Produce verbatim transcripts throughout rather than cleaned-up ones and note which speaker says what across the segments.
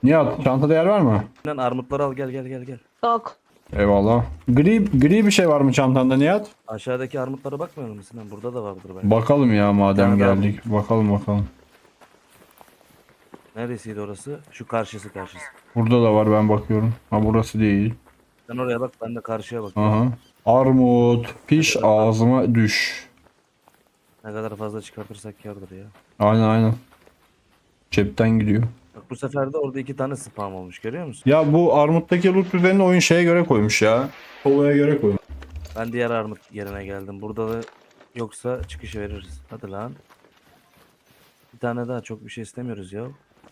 Speaker 1: Nihat çantada yer var mı?
Speaker 2: Lan armutları al, gel gel gel gel.
Speaker 3: Yok.
Speaker 1: Eyvallah. Gri gri bir şey var mı çantanda Nihat?
Speaker 2: Aşağıdaki armutlara bakmıyor musun Sinan? Burada da vardır belki.
Speaker 1: Bakalım ya madem
Speaker 2: tane daha
Speaker 1: geldik. Bakalım bakalım.
Speaker 2: Neresiydi orası? Şu karşısı karşısı.
Speaker 1: Burada da var ben bakıyorum. Ha burası değil.
Speaker 2: Sen oraya bak, ben de karşıya bakıyorum.
Speaker 1: Aha. Armut, piş ağzıma düş.
Speaker 2: Ne kadar fazla çıkartırsak kârdır ya.
Speaker 1: Aynen aynen. Cepten gidiyor.
Speaker 2: Bak bu sefer de orada iki tane spam olmuş, görüyor musun?
Speaker 1: Ya bu armuttaki loot düzenini oyun şeye göre koymuş ya. Kovaya göre koymuş.
Speaker 2: Ben diğer armut yerine geldim. Burada da yoksa çıkışı veririz. Hadi lan. Bir tane daha, çok bir şey istemiyoruz ya.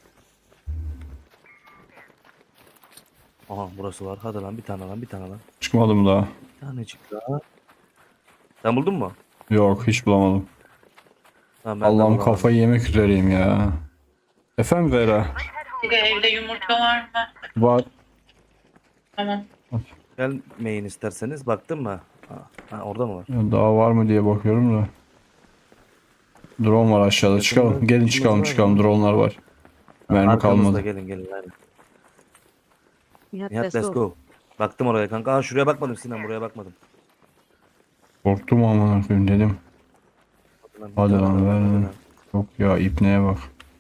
Speaker 2: Aha burası var. Hadi lan, bir tane lan, bir tane lan.
Speaker 1: Çıkmadım daha.
Speaker 2: Bir tane çıktı daha. Sen buldun mu?
Speaker 1: Yok hiç bulamadım.
Speaker 2: Tamam, ben de
Speaker 1: Allah'ım
Speaker 2: bulamadım.
Speaker 1: kafayı yemek üzereyim ya. Efendim Zehra?
Speaker 4: Bir de evde yumurta var mı?
Speaker 1: Var.
Speaker 4: Tamam.
Speaker 2: Gelmeyin isterseniz. Baktın mı? Ha, ha, orada mı var?
Speaker 1: Ya daha var mı diye bakıyorum da. Drone var aşağıda. Çıkalım. Gelin çıkalım çıkalım. Drone'lar var. Mermi
Speaker 2: Arkamızda,
Speaker 1: kalmadı.
Speaker 2: gelin gelin. Aynen.
Speaker 3: Nihat,
Speaker 2: Nihat
Speaker 3: let's
Speaker 2: let's
Speaker 3: go.
Speaker 2: go. Baktım oraya kanka. Aa, şuraya bakmadım Sinan, buraya bakmadım.
Speaker 1: Korktum amına koyayım dedim.
Speaker 2: Hadi
Speaker 1: Hadi
Speaker 2: bir
Speaker 1: lan,
Speaker 2: tane
Speaker 1: ver
Speaker 2: daha,
Speaker 1: lan.
Speaker 2: hadi lan.
Speaker 1: Yok ya ipneye bak.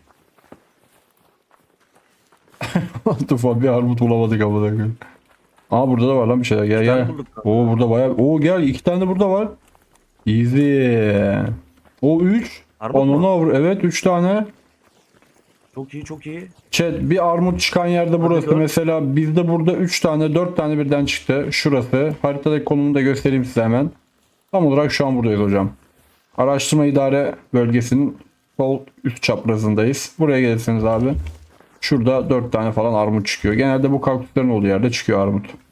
Speaker 1: Tufa bir armut bulamadık amına koyayım. Aa burada da var lan bir şeyler. Gel
Speaker 2: İki tane
Speaker 1: gel.
Speaker 2: bulduk kanka.
Speaker 1: Oo burada bayağı. Oo gel iki tane de burada var. Easy. O üç.
Speaker 2: Armut
Speaker 1: Onunu
Speaker 2: mu?
Speaker 1: avur. Evet üç tane.
Speaker 2: Çok iyi, çok iyi.
Speaker 1: Chat bir armut çıkan yerde burası.
Speaker 2: dört.
Speaker 1: Mesela bizde burada üç tane dört tane birden çıktı. Şurası. Haritadaki konumunu da göstereyim size hemen. Tam olarak şu an buradayız hocam. Araştırma idare bölgesinin sol üst çaprazındayız. Buraya gelirseniz abi. Şurada dört tane falan armut çıkıyor. Genelde bu kaktüslerin olduğu yerde çıkıyor armut.